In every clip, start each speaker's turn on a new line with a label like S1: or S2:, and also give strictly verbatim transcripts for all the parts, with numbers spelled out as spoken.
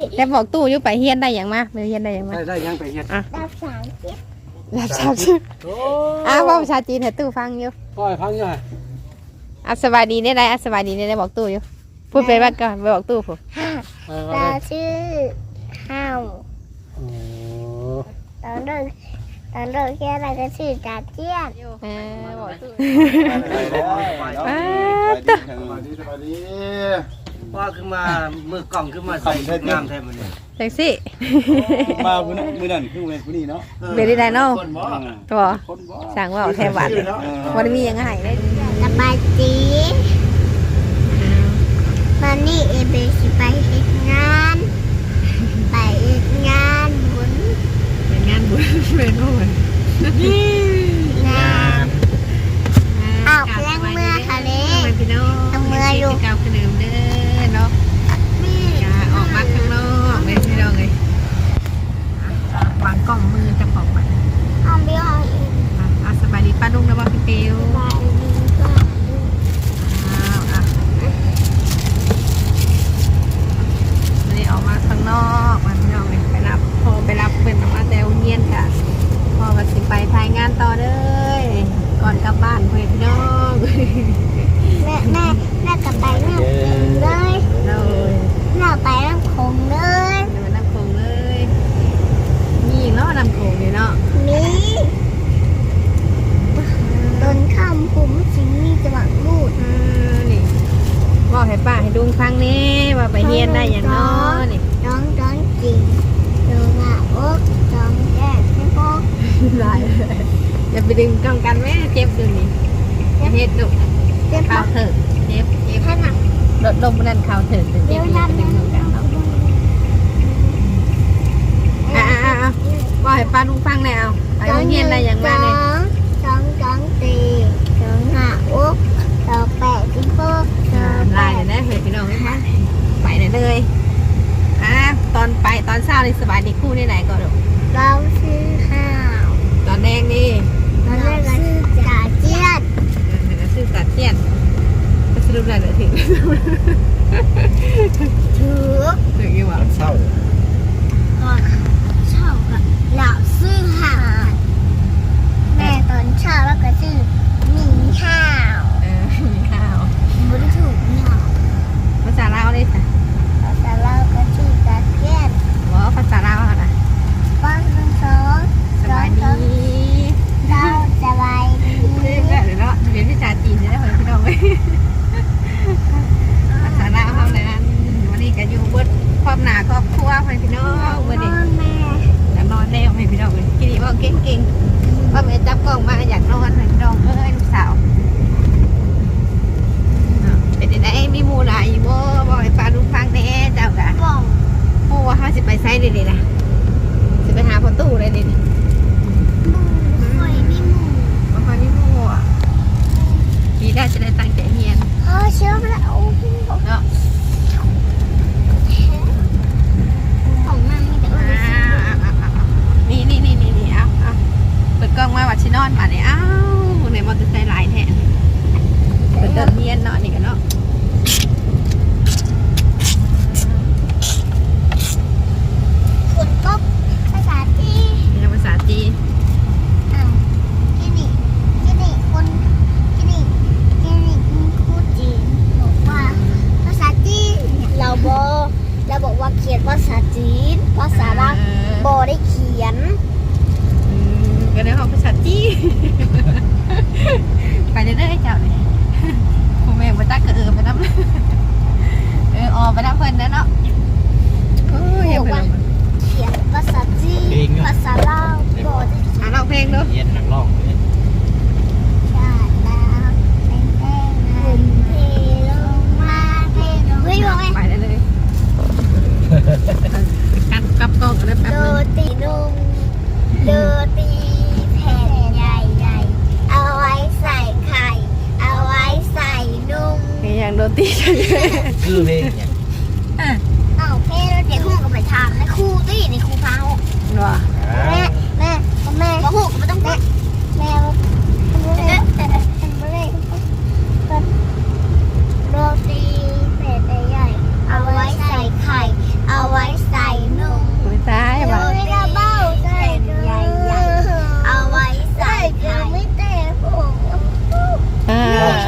S1: แล้วบอกตู้อยู่ไปเฮียนได้อย่างมาไปเฮียนได้อย่างมา
S2: ได้ได้ยังไปเฮ็ด
S1: อ่ะ
S3: รับสามสิบ
S1: รับทราบชื่อ
S2: โอ้
S1: อ้าวว่าภาษาจีนให้ตู้ฟังอยู่
S2: ปล่อยพังยังไง
S1: อ่ะสบายดีได้ไรอ่ะสบายดีได้ไรบอกตู้อยู่พูดไปบ้างก่อนไปบอกตู้ผม
S3: ห้า
S2: เออ
S3: ตาชื่อห้าว
S2: โอ้
S3: ตอนเลิกตอนเลิกแค่อะไรก็ชื่อตาเจี้ยน
S1: เออบอกตู้
S2: ไป
S1: อ้า
S2: ได้
S1: ว
S2: สวัสดีสวัสดี
S4: ว่าขึ้นมามือกล่องขึ้นมาใส่งามแทนมันเนี่ย
S1: แท็กซี่
S2: มามื้อนั้นมื้อนั้นคือเวรผู้นี้เนาะ
S1: เบรดได้เนาะ
S4: คนบ่
S1: ตัว
S2: คนบ่
S1: สั่งว่าเอาแทบหวานวันมียังไงเลย
S3: สบายจีมันนี่เอเบสิไปเฮ็ดงานไปเฮ็ดงานบุญ
S1: เป็นงานบุญเป็นบุญ
S3: งานอ้าวแรงเมื่อค่ะเล็ก
S1: พี่น้อง
S3: เอามือลูก
S1: เก่าขนมเด้อเนาะ
S3: แม่
S1: อย่าออกมาข้างนอกเลยพี่น้องเลยวางกล้องมือจะของมัน
S3: เอาเบี้ยเอาอีก
S1: อ่ะสบายดีป้าลุงนะว่าพี่เปียว
S3: ไปดีก็
S1: อ้าวอ่ะวันนี้ออกมาข้างนอกมาพี่น้องเลยไปรับพอไปรับเป็นมาแต่เงียนค่ะพอมาสิไปถ่ายงานต่อเลยก่อนกลับบ้านเพื่อนพี่น้อง
S3: แม่แม่แม่กลับไปน้ำคงเลย
S1: เลย
S3: แม่ไปน้ำคงเลย
S1: เดินน้ำโขงเลยมีอีกแล้วน้ำโขงเลยเนาะ
S3: มีต้นข้ามผมสิมีจังหวะรูด
S1: เออนี่บอกให้ป้าให้ดุงฟังนี่ว่าไปเฮียนได้อย่างน้อนี่
S3: ร้องร้องจริงร้องอ่ะโอ๊กร้องแย่ไม่พอ
S1: หลายเลยอย่าไปดึงกำกันแม่เจ็บดูนี่อย่าเฮ็ดดุ
S3: เจ็บ
S1: ข่า
S3: ปะ
S1: วเถิดเจ็บเจ็บ
S3: ท่านอ่ะ
S1: ลดลมนั่นข่าวเถิดเจ็บ
S3: เดี๋ยว
S1: อย่า
S3: ทำ
S1: ไปดึงกันเนาะอ่ะอ่ะอ่ะอ่ะบอกให้ป้าดุงฟังแล้วไปเฮียนได้อย่างมาเลย
S3: ร้องร้องตีร้องอ่ะโอ๊กร้องแปะที่พวกร้อง
S1: ไล่
S3: แปะ
S1: เลยนะเฮ้ยพี่น้องให้มาไปเลยเลยอ่ะตอนไปตอนเช้านี่สบายดีคู่นี่ไหนก่อนลูก
S3: เราซื้อข้าว
S1: ตอนแดงนี่
S3: เราซื้อจ่าเจี๊ยด
S1: เดี๋ยวซื้อตัดเทียนจะสรุปอะไรเหรอถึง
S3: ถือ
S1: ถึงยังวะ
S2: เศร้า
S3: ก่อนเช้ากับเราซื้อข้าวแม่ตอนเช้าแล้วก็ซื้อหมี่ข้าว
S1: เออมีข้าว
S3: บริสุทธิ์ข้าว
S1: ภาษาลาวเลยจ้ะ
S3: แต่เราก็ซื้อจ่าเจี๊ยด
S1: บอกภาษาลาวอะนะ
S3: ป้อนทั้งสอง
S1: สบายดี
S3: เราสบายดี
S1: เรียนแบบเนาะเรียนวิชาจีนจะได้เหรอพี่น้องเลยภาษาลาวเขาเลยนะวันนี้ก็อยู่เบิดครอบหนาครอบครัวให้พี่น้องวันนี้
S3: พ่อแม่
S1: อยากนอนแล้วให้พี่น้องเลยกินดีว่าเก่งๆพ่อแม่จับกล้องมาอยากนอนให้พี่น้องเอ้ยลูกสาวเป็นยังไงมีหมูหลายอยู่บ่บอกให้ป้าลูกฟังแน่เจ้ากะ
S3: บอก
S1: โอ้ว่าเขาสิไปไซด์เลยนะสิไปหาพ่อตู้เลยนี่
S3: หมูคอยมีหมู
S1: บ่ค่อยมีหมูอ่ะมีได้จะได้ตั้งใจเรียน
S3: พ่อเชื่อแล้ว
S1: เนาะ
S3: ของมันมีแต่ว่า
S1: นี่นี่นี่นี่นี่เอาเอาเปิดกล้องมาวัดชินอนมาเนี่ยอ้าวในมอเตอร์ไซค์หลายแท้เปิดเดินเรียนเนาะนี่กันเนาะ
S3: คนก็ภาษาที่
S1: นี่ภาษาจีน
S3: อ่าวที่นี่ที่นี่คนที่นี่ที่นี่คุณครูจีนบอกว่าภาษาจีนเราบอเราบอกว่าเขียนภาษาจีนภาษาลาวบอได้เขียน
S1: อืมก็ได้ของภาษาจีนไปเรื่อยๆเจ้าเลยคุณแม่มาตักก็เออไปน้ำเออออไปน้ำเพิ่นนะเนาะโอ้ยอย่าเพิ่น
S3: เขียนภาษาจีนภาษาลาวบอได้เขียน
S1: อ่ะร้องเพลงดู
S4: เย็นหนักร้องเลย
S3: ชาติลาวเป็นแป้งหุ่นเทลงมาเทลงเฮ้ยบอกไง
S1: ไปได้เลยกันกับกล้องกันเลยแป๊บ
S3: โร
S1: นึง
S3: ตีนุ่มโรตีแผ่นใหญ่ๆเอาไว้ใส่ไข่ เอาไว้ใส่นุ่ม
S1: เพลงอย่างโดนตี
S4: คือเพลงเนี่ย
S3: เอาเพ่แล้วเด็กคู่ก็ไปทำในครูตี้ในครูพาหก
S1: ว่ะ
S3: แม่แม่แม่มาหกก็ไม่ต้องแม่แม่แม่แม่โรตีแผ่นใหญ่ๆเอาไว้ใส่ไข่ เอาไว้ใส่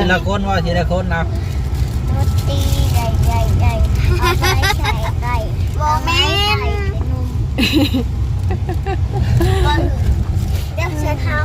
S5: ละคนว่าทีละคนนะ
S3: โรตีใหญ่ใหญ่ใหญ่เอาไว้ใส่ไก่โมเมนต์เดี๋ยวเชิญครับ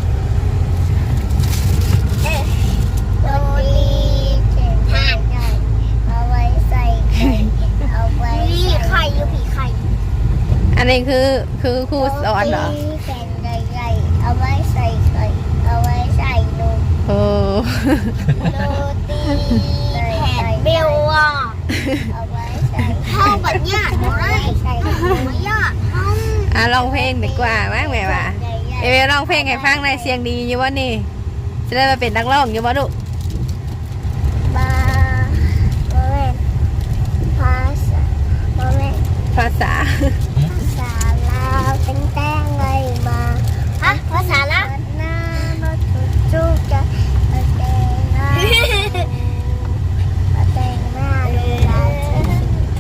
S3: เอ๊ะโรตีห่านใหญ่เอาไว้ใส่ไก่เอาไว้ผีไข่อยู่ผีไข่
S1: อันนี้คือคือครูสอนเหรอ
S3: โรตีแผ่นใหญ่ๆเอาไว้ใส่ไข่เอาไว้ใส่นม
S1: โอ้
S3: โรตีแผ่นเบลอ่ะเอาไว้ใส่ข้าวแบบยากเลยใส่ไม่ยากห้อง
S1: อ่ะร้องเพลงดีกว่ามั้งแม่ว่า เอเวร้องเพลงให้ฟังในอยเสียงดีอยู่วะนี่จะได้มาเป็นนักร้องอยู่วะลูก
S3: บาโมเมนภาษาโมเมน
S1: ภาษา
S3: ภาษาลาวเป็นแต้งเลยมาฮะภาษาลาวหน้ามาจุดจุกจะมาแตงหน้ามาแตงหน้าดูลาวที่ใจ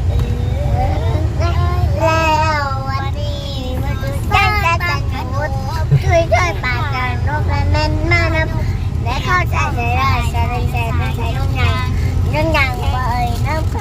S3: แล้ววันนี้มาดูจังจังจังจุดช่วยช่วยปากกันรบและแม่นมานำและเข้าใจใส่ได้ใส่ได้ใส่ได้ใส่น้องยางน้องยางเบยน้ำไข่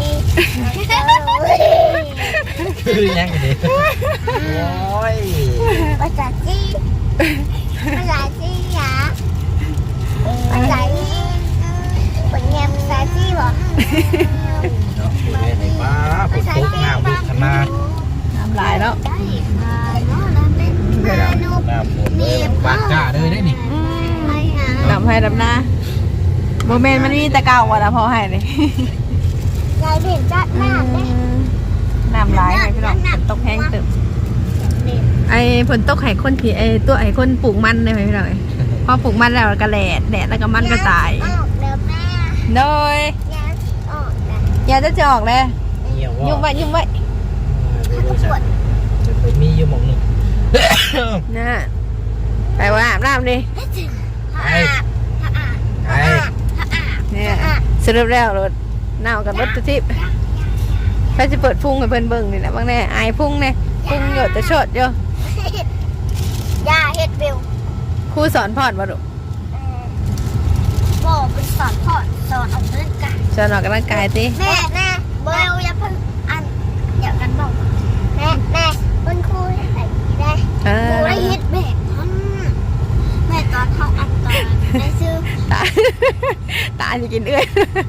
S5: คือยังไงดิโอ้ย
S3: ภาษาจีนภาษาจีนหรอภาษาจีนคนเงียบภาษาจีนหรอ
S5: เนาะคือเล่นในป้าฝนตกน้ำบุกขนาด
S1: น้ำลายแล้ว
S3: ได้มาโน่นแล้วเป็นมาโน่น
S5: น้ำฝนเลยปากกาเลยได้นี่
S3: ไปหา
S1: ดำให้ดำหน้าโมเมนต์มันมีแต่เก่าว่ะนะพอให้เลย
S3: ยายเด่นจัดหน้าเลย
S1: น้ำลายให้พี่น้องฝนตกแห้งตึมไอ้ฝนตกไห้คนผีไอ้ตัวไอ้คนปลูกมันเลยพี่น้องพอปลูกมันแล้วก็แดดแดดแล้วก็มันก็ตาย
S3: ออกเดี๋ยวแม่
S1: โดย
S3: ยายออกนะ
S1: ยาจะจะออกเลย
S5: เหี่ยว
S1: ยุ่ง
S5: ว่า
S1: ไว้ยุ่งไว้
S5: มีอยู่หมองหนึ่ง
S1: นะไปว่าอาบน้ำดิ
S5: ไอ้ไอ้
S1: เนี่ยสรุปแล้วรถเน่ากับรถตุทิพย์ไปจะเปิดพุ่งให้เพิ่นเบิ่งนี่แหละบางแน่อายพุ่งเนี่ยพุ่งหยดแต่ชดอยู่
S3: ยาเฮ็ดวิว
S1: ครูสอนพอดบ่ลูก
S3: บอกเป็นสอนพอดสอนออกกำลังกาย
S1: สอนออกกำลังกายติ
S3: แม่แม่เบลอย่าเพิ่งอันเดี๋ยวกันบอกแม่แม่คุณครูให้ได้
S1: เอ
S3: ครู
S1: อ
S3: ได้เฮ็ดแบบนั้นแม่ตอนเข้าอันตอนแม่ซื้อ
S1: ตาตาจะกินเอื้อย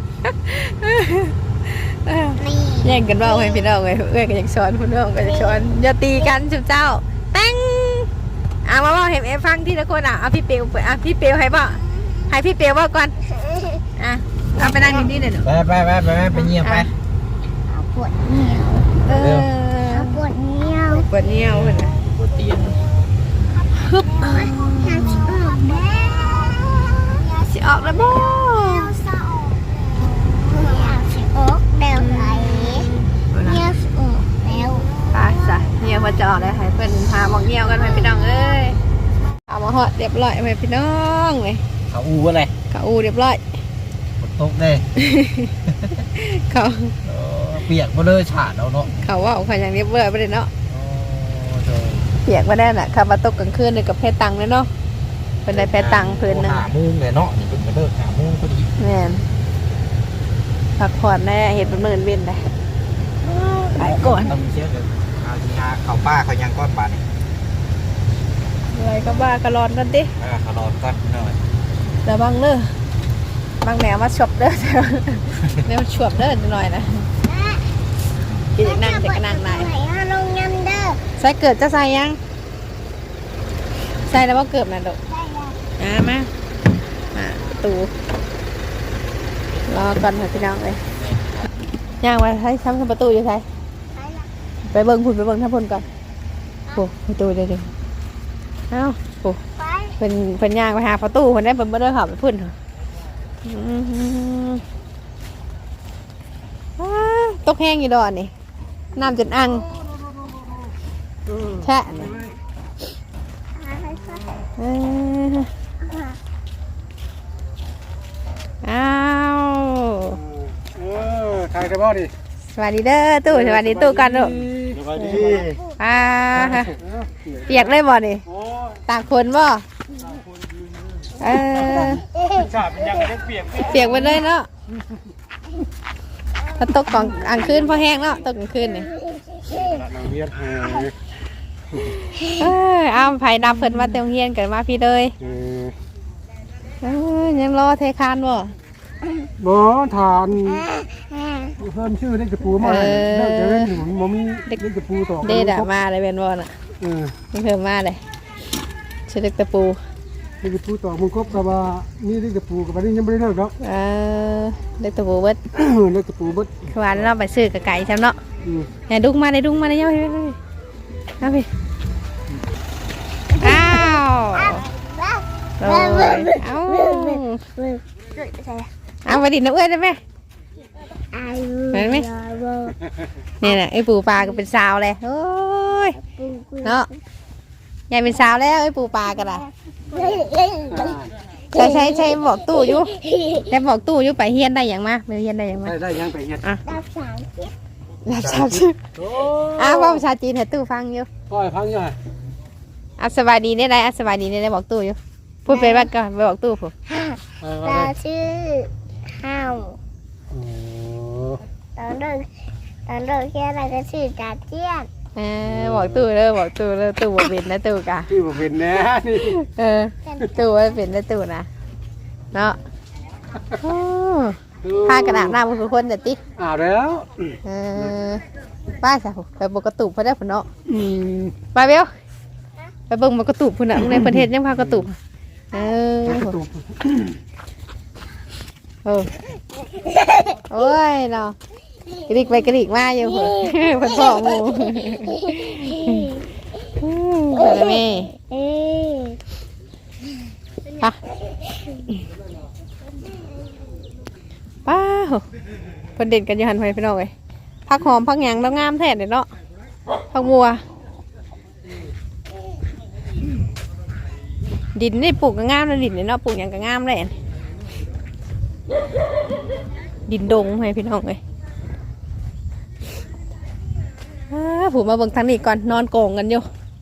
S3: นี่
S1: แย่งกันเบ้าให้พี่น้องเลยเอื้อยก็อยากสอนพี่น้องก็อยากสอนอย่าตีกันจุ๊บเจ้าแป้งอ่ะมาบอกเห็นเอฟังที่ละคนอ่ะเอาพี่เปียวอ่ะพี่เปียวให้บ่ให้พี่เปียวว่าก่อนอ่ะเอาไปนั่งนี่ๆหน่อยหนู
S5: ไปไปไปไปไปเงียบไป
S3: เอาปวดเหนียว
S1: เออ
S3: เอาปวดเหนียว
S1: ปวดเนียวเพิ่นน่ะ
S5: บนเตียง
S1: ฮึบ
S3: อยากสิออกแม่อยาก
S1: สิออกแล้วบ่
S3: เศร้าอยากสิออกแนวไหนอยากสิออกแนว
S1: ไปซะเนียวมาจอดเลยให้เพิ่นพาหมองเนียวกันไปพี่น้องเอ้ยเอามาฮอดเรียบร้อยไปพี่น้องเว้ย
S5: เขาอูอะไร
S1: เขาอูเรียบร้อย
S5: ฝนตกเลย
S1: เขา
S5: เปียกมาเลยฉาดเอาเนาะ
S1: เขาว่าเขาอย่างเรียบร้อยไปเลยเนาะ
S5: โอ้โห
S1: เปียกมาได้น่ะขับมาตกกลางคืนเลยกับเพชรตังเลยเนาะเป็นได้เพชรตังเพิ่นหนึง
S5: หามุ้งเลยเนาะนี่เป็นกระเดิกหามุ้งพอดี
S1: แม่นพักผ่อนแน่เห็นเป็นหมื่นเว้นได้ไปก่อน
S5: ต้องเชื่อกันเอาทีหาเขาป้าเขายังก้อนบาทนี่
S1: อะไรก็บ้ากระรอนกันดิ
S5: อ่าเขารอก้อนหน่อย
S1: แต่บางเด้อบางแนวมาชวบเด้อ แนวชวบเด้อหน่อยนะกินอีกนั่งจะกระนั่งไหน
S3: ไหนฮะลงยำเด้อ
S1: ใส่เกิดจะใส่ยังใส่แล้วว่าเกิดนะดอกอ่ามามาประตูรอก่อนค่ะพี่น้องเลยย่างมาใช้ซ้ำประตูอยู่ใส่ไปเบิ่งพุ่นไปเบิ่งท่าพุ่นก่อนโอ้ประตูเดี๋ยวเดี๋ยวเอ้าโอ้
S3: ไป
S1: เป็นเป็นย่างไปหาประตูคนได้เป็นบ่ได้ขับไปพุ่นเหรออืมว้าตกแห้งอยู่ดอนนี่น้ำจนอังแช่เนี่ยเอออ้าว
S2: เออถ่ายกันบ่ดิ
S1: สวัสดีเด้อตู้สวัสดีตู้กันลูก
S2: สวัสดี
S1: อ่าเปียกเลยบ่นี่
S2: โอ้ย
S1: ตากคนบ่
S2: ต่างคนยืน
S1: เออ
S2: ชาเป็นยังยังเปียก
S1: เปียกไปเลยเนาะถ้าตกกลางกลางคืนพอแห้งเนาะตกกลางคืนนี่
S2: น้ำเวียดแห้ง
S1: เอออ้าวไผ่ดับเพิ่นมาเต็มเฮียนกันมาพี่เลย
S2: เออ
S1: เออยังรอเทคานบ่
S2: บ่ทานเพิ่มชื่อได้กระปูมาเลิกจะเล่นหนุนบ่มีเด็กกระปูต่อ
S1: เด็ดอะมาเลยเป็นบ่น่ะ
S2: เออ
S1: มันเพิ่มมาเลยชื่อเด็กตะปู
S2: เด็กกระปูต่อมึงครบกับว่ามีเด็กกระปูกับว่านี่ยังไม่ได้เลิกหรอก
S1: เออเด็กตะปูเบิด
S2: เด็กกระปูเบิด
S1: คือว่าเราไปซื้อกับไก่ใช่เนาะ
S2: อืม
S1: เนี่ยดุ้งมาเลยดุ้งมาเลยยังไปเอาไปอ้าวโอ้ยเอ้าเอาไปดินน้ำเอื้อนได้ไหมเห็นไหมนี่แหละไอ้ปูปลาก็เป็นสาวเลยโอ้ยเนาะยายเป็นสาวแล้วไอ้ปูปลาก็ได้ใช่ใช่ใช่บอกตู้อยู่แต่บอกตู้อยู่ไปเฮียนได้อย่างมาไปเฮียนได้อย่างมา
S2: ได้ได้ยังไปเฮ็ด
S1: อ่ะ
S3: รับสามสิบ
S1: รับทราบชื่ออ้าวว่าภาษาจีนให้ตู้ฟังอยู่
S2: ก็ให้พังอยู่ฮะ
S1: อ่ะสบายดีได้ไรอ่ะสบายดีได้ไรบอกตู้อยู่พูดไปบ้านก่อนไปบอกตู้ผม
S3: ตาชื่อห้าว
S2: โอ้
S3: ตอนเลิกตอนเลิกแค่อะไรก็ชื่อจ่าเจี้ยน
S1: เออบอกตู้เลยบอกตู้เลยตู้บ่เป็นนะตู้กะ
S2: ที่บ่เป็นแน่นี่
S1: เออตู้ว่าเป็นนะตู้นะเนาะโอ้ผ้ากระดาษหน้าทุกคนแต่ติ๊ก
S2: อ่าแล้ว
S1: เออป้าจ้ะไปบอกกระตุกพอได้ผลเนาะ
S2: อืม
S1: ไปเบลไปเบิ่งบอกกระตุกพุ่นน่ะในประเทศยังพากระตุกเออ เออโอ้ยเนาะกระดิกไปกระดิกมาอยู่เหรอเพิ่นพ่อหมูอืมเดี๋ยวแม่
S3: เอ๊ะ
S1: ป้าป้าโหเพิ่นเด่นกันอยู่หันไปพี่น้องเอ้ยผักหอมผักหยังแล้วงามแท้เด้เนาะผักบัวดินนี่ปลูกก็งามแล้วดินนี่เนาะปลูกหยังก็งามเลยดินดงให้พี่น้องเลยผมมาเบิ่งทางนี้ก่อนนอนโกงกันอยู่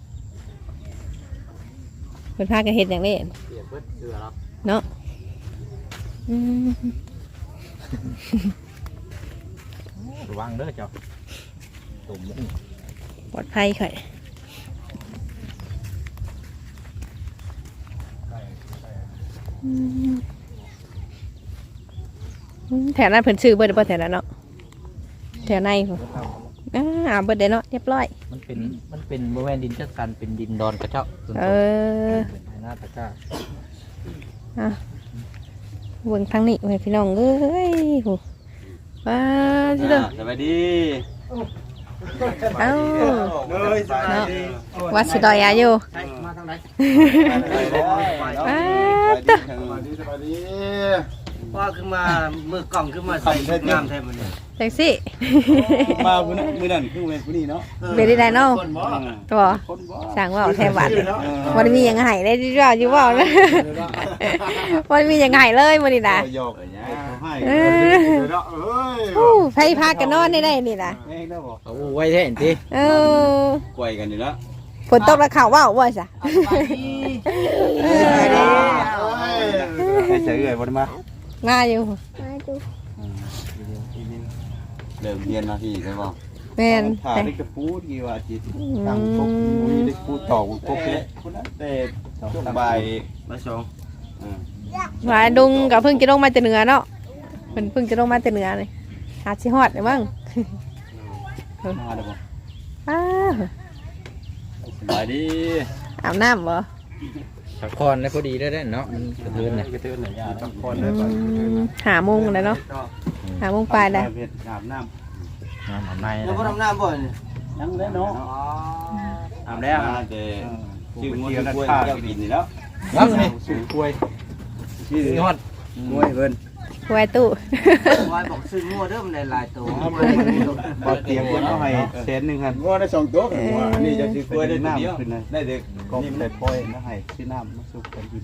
S1: เป็นพากันเห็ดอย่างนี้เนาะอืม
S5: ระวังเด้อเจ้าตุ่ม
S1: ปลอดภัยค่ะอืมแถวนั้นเพิ่นซื้อเบิดเบิดแถวนั้นเนาะแถวในผมอ่าเบิดเด้เนาะเรียบร้อย
S5: มันเป็นมันเป็นบริเวณดินจัดสรรเป็นดินดอนกระเจาะส่วน
S1: เอ
S5: ตัว
S1: อ
S5: เป็นหน้าตะกร้า
S1: อ่ะเบิ่งทางนี้ไว้พี่น้องเอ้ยโหว้าจิเด้อ
S4: สวัสดี
S1: เอ้า
S4: เลยสวัสดี
S1: วัดสิดอยอายุ
S4: มาทางไหน
S1: ว้าเด้อ
S2: สวัสดีสวัสดี
S4: ว่าขึ้นมามือกล่องขึ้นมาใส่งามแท้มันเนี่ย
S1: จังสิ
S2: มามื้อนั้นมื้อนั้นคือเว้นมื้อนี้เนาะ
S1: เบรได้เนาะ
S4: คนบ่
S1: ตัว
S2: คนบ่
S1: สั่งว่าแทบหวัดวันมีหยังไห้ได้ดีว่าอยู่ว่านะวันมีหยังไห้เลยมื้อนี้นะ
S2: หยอกให้
S1: เอ
S2: เนาะเอ้ย
S1: อไผพากันนอนได้ได้นี่นะ
S2: แม่งได้บ่
S5: เอาไว้แท้เห็นที
S1: เออก
S2: วยกันนี่ละ
S1: ฝนตกแล้วข่าวว่าว่าซะเออ
S2: ให้เฉยเลยบ่ได้มา
S1: มาอยู่
S3: มาดู
S2: เริ่มเรียนมาพี่ใช่บ่
S1: แม่น
S2: ถ่ายได้กระปูกี่ว่าจิตทางพวกมีได้ปูตอกพวกเล็กคนนั้นแต่ช่วงบ่าย
S4: มาส่ง
S1: ว่าดุงกับเพิ่งจะลงมาแต่เหนือเนาะเพิ่นเพิ่งจะลงมาแต่เหนือเลยหาสิฮอดได้มั้ง
S2: มาได้บ่
S1: อ้าว
S2: สบายดี
S1: อาบน้ำบ่
S5: สักคอนแล้วพอดีได้ได้เนาะมันกระเทือนเนี่ย
S2: กระเทือนหน่อยยาต้องคน
S1: อื
S2: เลยก่อน
S1: มหาโมงเลยเนาะหาโมงปลายเลย
S2: อาบน้
S5: น้ำหอมใน
S4: แล้วก็ทำน้ำบ่อยนี่
S2: ำยังได้เนาะ
S4: อาบแล้ว
S2: แต่ชื่อมวยกล้วยแก้วกินนี่แล้ว
S5: น้ำนี่สูงกล้วย
S2: ชื่อย
S5: อด
S2: มวยเพิ่น
S1: ไว้ตู้
S4: วายบอกซื้องัวเด้อมันได้หลายตัว
S2: บ่เตรียมเพิ่นเอาให้แสนนึงครับงัวได้สองตัวอันนี้จะซื้อกล้วยได้น้ำขึ้นเลยได้เด็กก็ได้ปล่อยแล้วให้ซื้อน้ำมาสุกกันกิน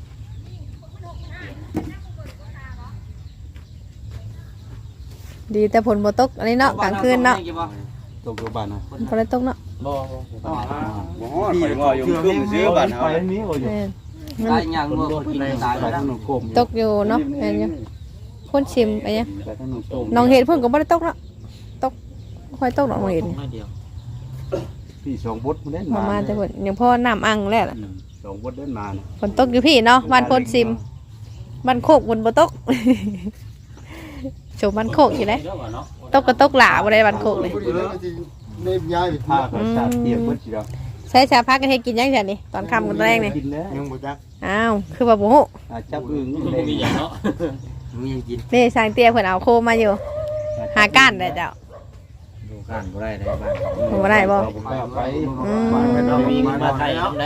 S1: ดีแต่ผลบ่ตกอันนี้เนาะกลางคืนเนาะ
S2: ตกอยู่บ้านนะ
S1: บ่ได้ตกเนาะ
S5: บ่
S2: บ่ฮอดไปว่าอยู่เครื่องซื้อบ้านเฮาไปนี้บ่อยู่
S1: แม่น
S4: ตายอย่างงัวคนกินตาย
S2: ไป
S4: แล้ว
S2: ทางหนองโคม
S1: ตกอยู่เนาะเห็นอยู่คนชิมไปยัง
S2: ไปทางหนองโคม
S1: น้องเห็ดเพิ่นก็บ่ได้ตกเนาะตกค่อยตกน้องเห็ด
S5: ไม่เดียว
S2: พี่สองบดมันเล่น
S1: มา
S2: มา
S1: มาแต่เพิ่นยังพ่อน้ำอังแล้วล่ะ
S2: อืมสองบดเล่นมานะ
S1: ฝนตกอยู่พี่เนาะบ้านโพนซิมบ้านโคกบนบ่ตก โชว์บ้านโคกอยู่เลยตกก็ตกหลาบ่ได้บ้านโคกเลย
S2: ได้ย้ายไปท่าก็ชาติเทียบเบิดสิครับ
S1: ใช้ชาพักกันให้กินยังจังนี่ตอนค่ำกันตอนแรกนี่
S2: กินแล้วยังบ่จัก
S1: อ้าวคือว่าบ่ฮู้
S2: อาจับอึ่งนี่เลย
S4: มึงยังกิน
S1: นี่สร้างเตี้ยเพิ่นเอาโคมมาอยู่ หาก้านได้เจ้า
S5: ดูการบ่ได้ได้บ้าง
S1: บ่ได้บ่
S2: ไป
S1: อืม
S5: มีมาไทยทำได้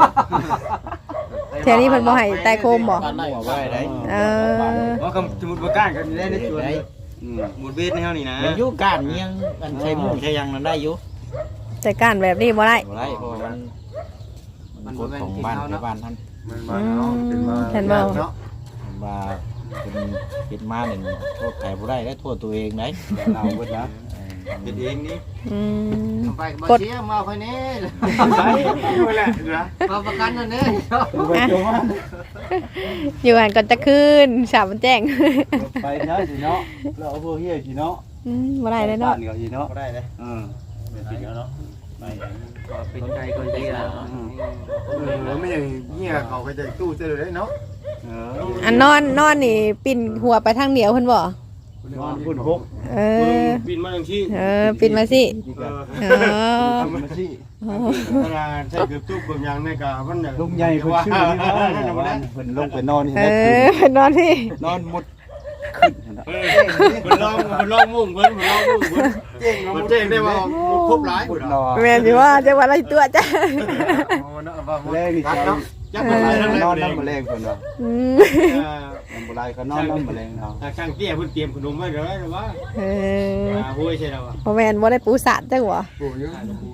S1: แถวนี้เพิ่นบ่ให้ใต้โคมบ่
S5: บ้านได้บ่ได้ได้
S1: เออ
S4: ว่าคำสมุดประการกันได้ในสวน
S2: อืม
S4: หมุดเวทในเฮานี่นะ
S5: ยังอยู่การเมียงอันใช้หมูใช้ยังนั้นได้อยู่
S1: แต่ก้านแบบนี้บ่ได้
S5: บ่ได้เพราะมันมันกฎของบ้านในบ้านท่าน
S1: อืมเห็นบ่
S5: ว่าเป็นเป็นมาเนี่ยโทษใครบ่ได้และโทษตัวเองได้
S2: เอาเบิดนะ
S4: เป็นเองนี่
S1: อืม
S4: ไปบ่เสียมาค่อยนี้
S2: ไปอยู่แหละนะ
S4: มาประกันนั่นเด้
S2: ไปโจมา
S1: อยู่หันก่อนจะขึ้นสามแจ้ง
S2: ไปเนาะสิเนาะเราเอาพวกเฮียสิเนาะ
S1: อืมบ่ได้เลยเนาะ
S2: บ้ก็สิเนาะ
S4: บ่ได้เลย
S2: อืม
S5: เป็นสิ่งแล้วเนาะไป
S4: ก็เป็นใจคนดีแล้ว
S6: เออไม่อย่างเงี้ยเขาก็จะตู้เจอเลยเนาะ
S2: เออ
S1: อันนอนนอนนี่ปิ่นหัวไปทางเหนียวเพิ่นบ่
S2: นอนพุ่นหก
S1: เออ
S6: บินมาอย่างที่
S1: เออปิ่นมาสิ
S2: นี่ก็
S1: เออ
S2: ทำมาสิ
S6: เวลาใช้เกือบตู้เกือบยางในกามันอย่าง
S2: ลุงใหญ่เพิ่นชื่อนี่ว่าเนี่ยว่าเพิ่นลงไปนอนนี่
S1: เอ
S2: นะ
S1: อเพิ่นนอนที่
S2: นอนหมดขึ้นนั่นน่ะ
S6: มันลองมันลองมุ่งเพิ่นมันลองมุ่งเพิ่นเจ๊งมันเจ๊งได้ว่าครบหลาย
S2: พุ่น
S6: เนาะ
S2: นอน
S1: แม่นสิว่าจังหวัดอะไรตัวจ้ะ
S2: แรงนี่
S6: รัก
S2: เจ้า
S6: เนาะยักษ์มันหลายทั้ง
S2: นอน
S6: นั้น
S2: น้ำแมลงเพิ่นว่า
S1: อืม
S2: น้ำบ่ไหลก็นอนน้ำแมลงเอา
S6: ถ้าช่างเตี้ยเพิ่นเตรียมขนมไว้เด้อหรือว่า
S1: เออ
S6: อ่าห้วยใช่แล้วอ่ะ
S1: บ่แม่นบ่ได้ปูสาดจังหวะ
S6: โอ้ย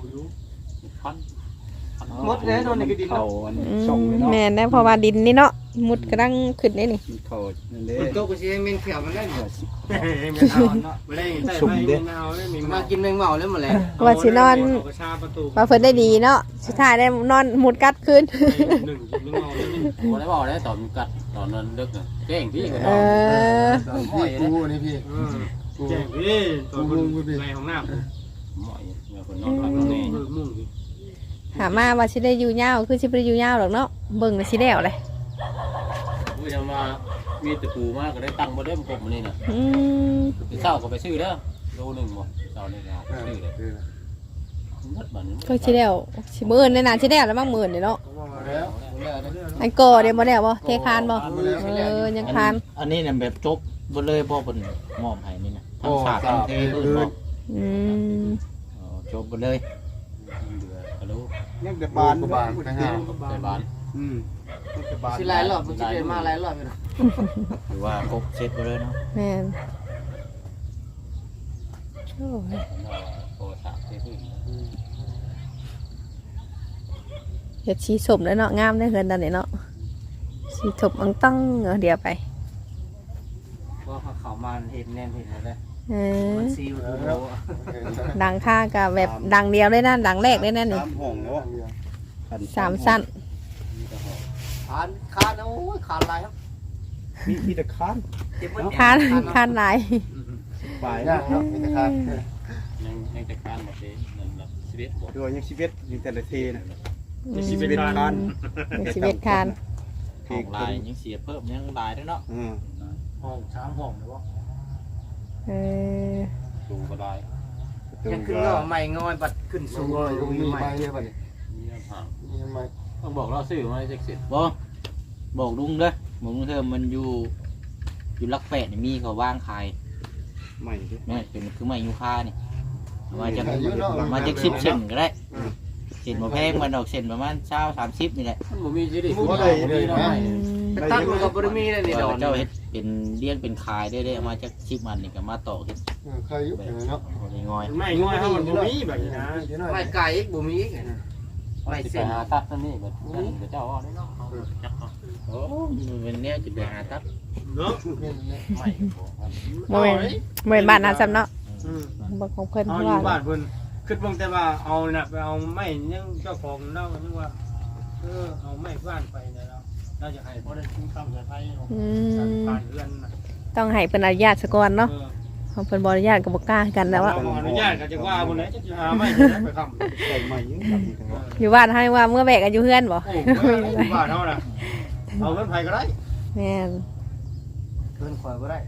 S4: หมดแล้วนอนในกระดิ่ง
S2: เขาอัน
S1: อื
S2: ช่องไว้
S1: ม
S2: เนาะ
S1: แม่นได้เพราะว่าดินนี่เนาะมุดกำลังขึ้นนี่นี่
S2: เขานั่นเด้
S4: มันโตก็สิให้แมงเขียวมันได้
S6: ไม่เอาเนาะไม่ได้ใส่ไม่เอาได้มี
S4: มากินแมงเมาแล้วหมดแล้ว
S1: ว่าสินอน
S6: กระชาประตู
S1: ว่าเพิ่นได้ดีเนาะสุดท้ายได้นอนมุดกัดขึ้น
S6: หนึ่งกินเมาแล้วนี่
S7: บ่ได้บอกได้ตอนกัดตอนนั้นดึกน่ะเก่งพี่ก็
S1: เออ
S6: พี่กูนี่พี่แจ้งพี่ตัวคุณในห้องน้ำ
S7: หมอยเมื่อคนนอนหลับนอนแน่
S6: มุ่ง
S1: ถามมาว่าสิได้อยู่ยาวคือสิบ่ได้อยู่ยาวหรอกเนาะเบิ่งแล้วสิแล้วเลย
S7: ผู้จะมามีตะปูมากก็ได้ตังค์บ่ได้มากบมื้อนี้น่ะ
S1: อืม
S7: ไปเช้าก็ไปซื้อเด้อโลนึงบ่เช้านี่ก็ซื้อเลยหมดบัดนี้
S1: ก็สิแล้วสิมื้ออื่นในนั้นสิแล้วแล้วบางมื้อนี่เนาะ
S6: แล้ว
S1: อันก่อเดี๋ยวบ่แล้วบ่เทคานบ่เออยังคาน
S5: อันนี้เนี่ยแบบจบบ่เลยพ่อเพิ่นมอบให้นี่นะทั้งฉากทั้งเทพื้นบ่
S1: อืม
S5: อ๋อจบบ่เลย
S7: เหลือก็รู้
S2: ยังแต่บาน
S6: บานนะฮะ
S7: ใส่บ้าน
S2: อืมแต่บาน
S4: สิหลายรอบมันสิเป็นมาหลายรอบอยู่นะ
S5: หรือว่าครบเสร็จบ่เลยเนาะ
S1: แม่นโอ้ย
S7: โทรศัพท์ที่พื้น
S1: เฮ็ดสีสมแล้วเนาะงามได้เฮือนตอนนี้เนาะสีสมอังตั้งเอาเดี๋ยวไป
S4: ว่าเขามาเห็นแน่นเห็นเลย
S1: เออ
S4: มันซีมันรู้
S1: ดังค่ากับแบบดังเดียวเลยนะดังแรกเลยนะนี่
S2: สามห้องเนาะ
S1: สามสั้น
S4: คานคานโอ้ยคานลายครับ
S2: มีมีแต่ค้าน
S4: เจ็บ
S1: คานคานหลาย
S2: ปลาย
S6: ยากเนาะมีแต่คาน
S7: ยังยังจะการบ่ได้นั่นล่ะชีวิตบ่
S2: ตัวยังชีวิตยังแต่ละเทนะ
S1: อืม
S2: ชีวิตค้าน
S1: มีชีวิตคาน
S5: ห้องลายยังเสียเพิ่มยังลายด้วยเนาะ
S2: อืม
S6: ห้องสามห้องหรือว่า
S1: เออ
S7: ดูก็ได้
S4: ยังขึ้นงอใหม่งอยบัดขึ้น
S6: สู
S4: สู
S6: ง
S4: ง
S6: ก็ยังมี
S4: ใหม่
S6: ไม้เนี่ยป่ะนี่
S7: มีห่าง
S6: มีไม้
S7: ต้องบอกเราซื้อมาให้เสร็จ
S5: บ่บอกลุงเด้อบอกลุงเธอมันอยู่อยู่ลักแปดนี่มีเขาวางขาย
S2: ใหม่ดิ
S5: นี่เป็นคือไม้ยูคานี่มาจากมาจากสิบเซนก็ได้เส้นมาแพงมันดอกเส้นประมาณเช้าสามสิบนี่แหละ
S7: มันบ่มีสิดิ
S6: บ่ได้เลยนะ
S1: อืม
S4: ตั้งกับบริมีนั่นนี่ดอน
S5: เจ้าเฮ็ดเป็นเลี้ยงเป็นคายได้ได้เอามาจากชิปมันนี่ก็มาต่อเฮ็ด
S6: เคยยุบเนาะ
S5: บ่ได้งอย
S6: ไม่ง่อยให้มันบ่มีแบบนี้นะ
S4: ไม่ไก่อีกบ่มีอีกไม่
S7: สิ
S4: เส้
S7: ไป
S4: น
S7: หาตัดนั่นนี่แบบนั่นก็เจ้าว่าได้เนาะจักเนาะ
S5: โอ้มันเป็นแนวจะไปหาตับ
S6: เนาะ
S7: ไม่บ่
S1: บ่แม่นบ่แม่นบ้านนะซ้ำเนาะบ่ของเพิ่น
S6: เอา
S1: เพราะ
S6: อยู่
S1: ว่า
S6: บ้านเพิ่นคิดเบิ่งแต่ว่าเอาน่ะไปเอาไม้ยังเจ้าของเล่ายังว่าเออเอาไม้บ้านไปนะเราเราจะให้เพราะได้ชุ่มฉ่ำใส่ไฟ
S1: อืม
S6: ผ่านเรือน
S1: ต้องให้เพิ่นอนุญาตซะก่อนเนาะของเพิ่นบ่อนุญาตก็บ่กล้ากันแล้วว่า
S6: เราอนุญาตก็จะว่าบนไหนจะหาไม่ไปคำ
S2: ใส่ใหม่ยังครับนี่ครับ
S1: อยู่บ้านให้ว่าเมื่อแบกกันอยู่เฮือนบ่
S6: โอ้ว่าเท่าน่ะเอาเงินไผก็ได้
S1: แม่น
S4: เพิ่นคอยบ่ได้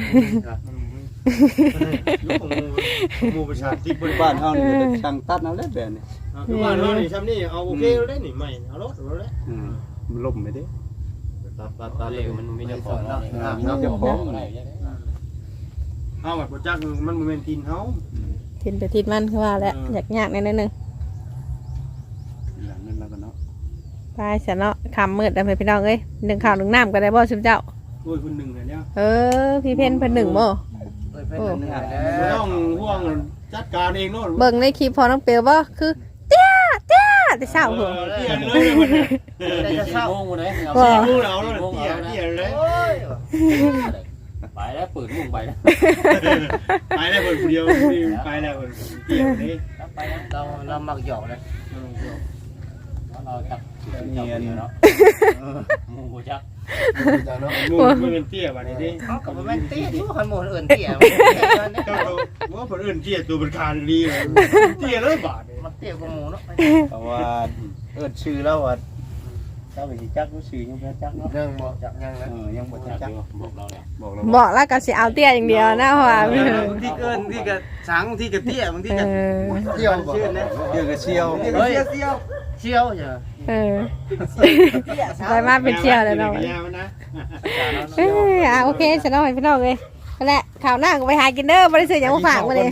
S6: ยุคของหมู่ประชาธิปไตย
S2: บ้านเฮานี่ช่างตัดเอาแล้วแบบนี้
S6: คือบ้านเฮานี่ซ้ำนี่เอาโอเคได้นี่ไม่เอารถเอารถ
S2: อืมมันล่มไปเด้
S7: ตัดตัดตัดเลยมันมีเจ้าของเนาะ
S2: มีเจ้าของ
S7: อะไรได้
S6: เอาแบบบ่จักมันบ่แม่นทินเฮา
S1: ทินไปทินมันคือว่าแหละอยากยากแน่นนึง
S2: หลังนั้นแล้วกันเนาะ
S1: ไปเสียเนาะคำมืดแล้วไปพี่น้องเอ้ยหนึ่งข้าวหนึ่งน้ำก็ได้บ่ซุมเจ้า
S6: โอ้ยคนหนึ่งเนี่ย
S1: เออพี่เพ่นเพิ่นหนึ่งบ่
S4: เอ้ยเพิ่นเหนื่อยแล้
S6: ไม่
S4: ว
S6: ต้องห่วงจัดการเองโน่น
S1: เบิ่งในคลิปพอน้องเปียวบ่คือเตี้ยเตี้ยแต่เช้าหัว
S6: เตี้ยเลยมัน
S4: ได้จะเศร้า
S7: โมงเลยเอา
S1: ว่า
S6: รู้แล้วเตี้ยเตี้ยเลย
S4: โอ้ย
S7: ไปแล้วเปิดมุ้งไปแล้ว
S6: ไปแล้วคนเดียวไปแล้วคนเตี้ยนี่
S7: ไปแล้ว
S4: เราเรามักหยอกเลย
S7: เราจับเงียบเนาะมูกูจัก
S6: มูไม่เป็นเตี้ยแบบนี้ดิ
S4: เขาก็บ่แม่นเตี้ยทุกคนหมู่อื่นเตี้ย
S6: เจ้าว่าคนอื่นเตี้ยตัวเป็นคานดีเลยเตี้ยเลยบาท
S4: มันเตี้ยกว่าหมู่เนาะ
S2: เพราะว่าเอิ้นชื่อแล้วว่าเจ้าไปสิจักรู้ชื่อยังบ่จักเนาะ
S4: ยังบ่จักยังนะ
S2: เออยังบ่จัก
S7: บอกเราเนี่ย
S2: บอกเรา
S1: บอกแล้วก็สิเอาเตี้ยอย่างเดียวนะเพราะว่า
S6: บางทีเกินที่กะสังที่กะเตี้ยบางที
S1: เอก
S6: ะ
S1: อ
S6: เตี้ยชื่อนะ
S2: เดี๋ยวก็เชียว
S6: เฮ้ยเตี้ย
S4: เชี่ยวจ้ะ
S1: เออไปมาเป็นเชี่ยวแล้วเนาะ
S6: นะ
S1: เอ้ยอ่ะโอเคฉันเอาให้พี่น้องเลยนั่นแหละข่าวหน้าก็ไปหากินเด้อบ่ได้ซื้อหยังมาฝากมาเลย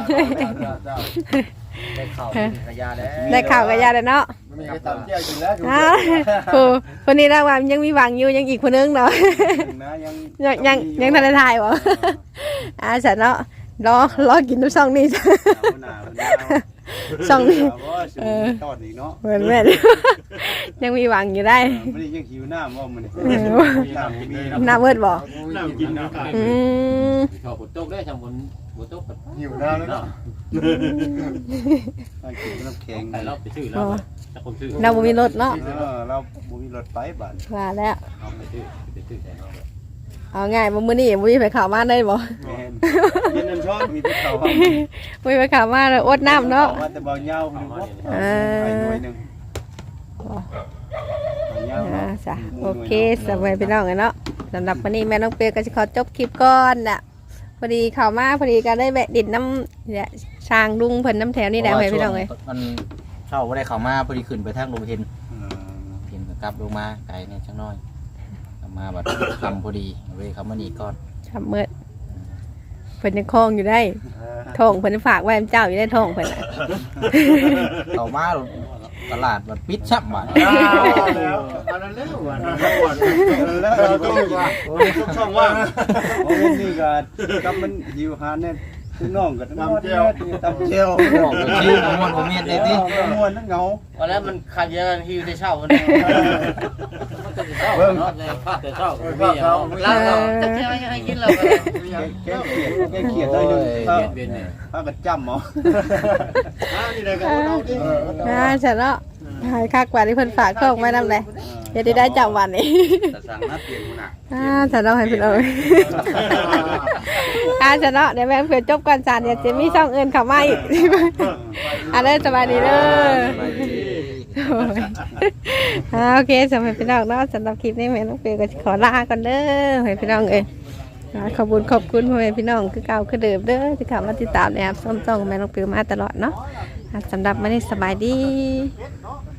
S4: ได้ข่าวกระยาแล้ว
S1: ได้ข่าวกับยาแล้วเนาะ
S6: มีกระตับเตี้ยกินแล้ว
S1: อ่าโอ้คนนี้นะว่ายังมีหวังอยู่ยังอีกคนนึงเนาะ
S2: นะยัง
S1: ยังยังยังทันได้ถ่ายบ่อ่าฉันเนาะรอรอกินทุกช่องนี้จ้ะ
S2: หนาว
S1: ช่องนี้
S2: เออตอนอีกเนาะ
S1: เหมือนแม่นยังมีหวังอยู่ได้
S2: ไม่ได้ยังหิวน้ำว่ามันนี่
S1: เออ
S2: น้ำมี
S1: หน้าเบิดบ่
S6: น้ำกินน้ำกาย
S1: อืม
S7: ชอบฝนตกได้ทำฝนฝนตกแบบ
S6: หิวน้ำแล้วเนาะ
S2: กินน้ำแข็ง
S7: ใครเราไปซื้อแล้วจะคนซื้อ
S1: เราบ่มีรถเนาะ
S2: เออเราบ่มีรถไปบ้าน
S1: ว่าแล้ว
S7: เอาไปซื้อไปซื้อแต่เรา
S1: เอาง่ายบ่มื้อนี้บ่มีไปเข้ามาได้บ่
S2: แม่น
S6: กินน้ำช้อน
S2: มีแต่เขา
S1: บ่มีไปเข้ามาแล้วอดน้ำเนาะ
S2: ว่าแต่เบาเหย้าหรือว่า
S1: เออ
S2: ไปหน่วยหนึงเบาเหย้า
S1: อ่า
S2: เนาะ
S1: จ้ะโอเคสบายพี่น้องกันเนาะสำหรับวันนี้แม่น้องเปียก็จะขอจบคลิปก่อนน่ะพอดีเข้ามาพอดีก็ได้แวะดินน้ำเนี่ยช้างลุงเพิ่นน้ำแถวนี่แหละให้พี่น้องเลย
S5: มันเช่าบ่ได้เข้ามาพอดีขึ้นไปทางลงเห็น
S2: เออ
S5: เห็นก็กลับลงมาไกลเนี่ยจังน้อยกลับมาบัดคำพอดีเว้ยเขามานี่ก่อน
S1: ทำเมื่อเพิ่นยังคล้องอยู่ได้ทองเพิ่นฝากไว้ให้เจ้าอยู่ได้ทองเพิ่นน่ะ
S5: เข้ามาตลาดบัดปิดชับบัด
S6: อันนั้นแล้วอันนั้นแล้วเราต้องว่าช่องว่าง
S2: โอ้ยนี่ก็กำมันหิวหาเนี่ยคือน้องก็ตำเจียวตำเจียว
S5: บอกเลยชื่อบ่ม่วนบ่เมียนเลยติ
S2: ม่วนทั้งเหงา
S4: วันนั้นมันขัดแย้งฮิวได้เช่าวัน
S7: เบิ่งเนาะพลาดแต่เช้ามีอย่าง
S4: เราเราจะเที่ยวยังให้กินเรา
S2: แกเขียดแกเขียดได้หนึง
S7: เบียดเบียนเนี่ย
S2: ถ้าก็จำเอา
S6: นี่เลยก็เอาดิ
S1: อ่าฉันเนาะหายคักกว่าที่เพิ่นฝากทองไว้นำเลยเดี๋ยวได้จำวันนี้
S2: แต่สั่งนัดเปลี่ยนกูน่ะ
S1: อ่าฉันเอาให้พี่น้องอ่าฉันเนาะเดี๋ยวแม่เพื่อจบก่อนจานเดี๋ยวจะมีช่องอื่นเข้ามาอีกอ่าเด้อสบายดีเด้อ โอ้ยอ่าโอเคสำหรับพี่น้องเนาะสำหรับคลิปนี้แม่น้องเปียก็ขอลาก่อนเด้อให้พี่น้องเอ้ยอ่าขอบคุณขอบคุณพ่อแม่พี่น้องคือเก่าคือเดิมเด้อที่เข้ามาติดตามนะครับส้มต้องแม่น้องเปียมาตลอดเนาะอ่าสำหรับวันนี้สบายดี
S6: เนาะ